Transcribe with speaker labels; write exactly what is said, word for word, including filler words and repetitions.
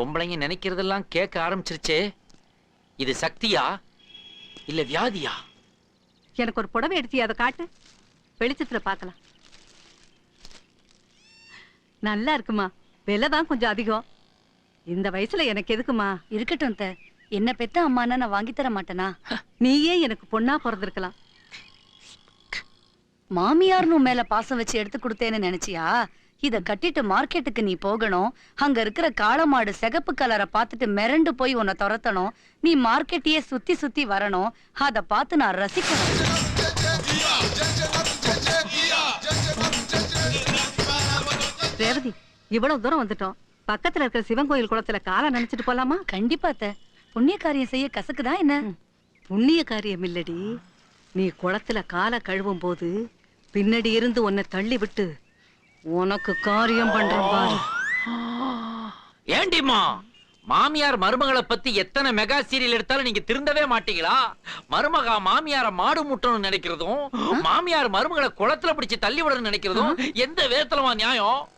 Speaker 1: பொம்பளைங்க நினைக்கிறதெல்லாம் கேட்க ஆரம்பிச்சிருச்சே. இது சக்தியா இல்ல வியாதியா?
Speaker 2: எனக்கு ஒரு புடவை எடுத்து அதை காட்டு, வெளிச்சத்துல பார்க்கலாம். நல்லா இருக்குமா, விலைதான் கொஞ்சம் அதிகம். இந்த வயசுல எனக்கு எதுக்குமா?
Speaker 3: இருக்கட்டும் த, என்ன பெத்த அம்மானா நான் வாங்கி தர மாட்டேனா?
Speaker 2: நீயே எனக்கு பொண்ணா பிறந்திருக்கலாம்.
Speaker 3: மாமியார்னு மேல பாசம் வச்சு எடுத்து கொடுத்தேன்னு நினைச்சியா? இத கட்டிட்டு மார்க்கெட்டுக்கு நீ போகணும். அங்க இருக்கிற காளமாடு சிகப்பு கலரை பார்த்துட்டு மிரண்டு போய் உன்னை துரத்தணும். நீ மார்க்கெட்டையே சுத்தி சுத்தி வரணும். அத பார்த்து நான் ரசிக்கணும்.
Speaker 2: ரேவதி, இவ்வளவு தூரம் வந்துட்டோம். பக்கத்துல இருக்கிற சிவன் கோயில் குளத்துல காலை நினைச்சிட்டு போலாமா?
Speaker 3: கண்டிப்பா த, புண்ணிய காரியம் செய்ய கசக்குதா என்ன?
Speaker 2: புண்ணிய காரியம் இல்லடி, நீ குளத்துல காலை கழுவும் போது பின்னாடி இருந்து உன்னை தள்ளி விட்டு உனக்கு காரியம் பண்றேன் பாரு.
Speaker 1: ஏண்டிமா, மாமியார் மருமகளை பத்தி எத்தனை மெகா சீரியல் எடுத்தாலும் நீங்க திருந்தவே மாட்டீங்களா? மருமகா மாமியார மாடு முட்டணும்னு நினைக்கிறதும், மாமியார் மருமகளை குளத்துல பிடிச்சு தள்ளி விடணும்னு நினைக்கிறதும் எந்த விதத்துலமா நியாயம்?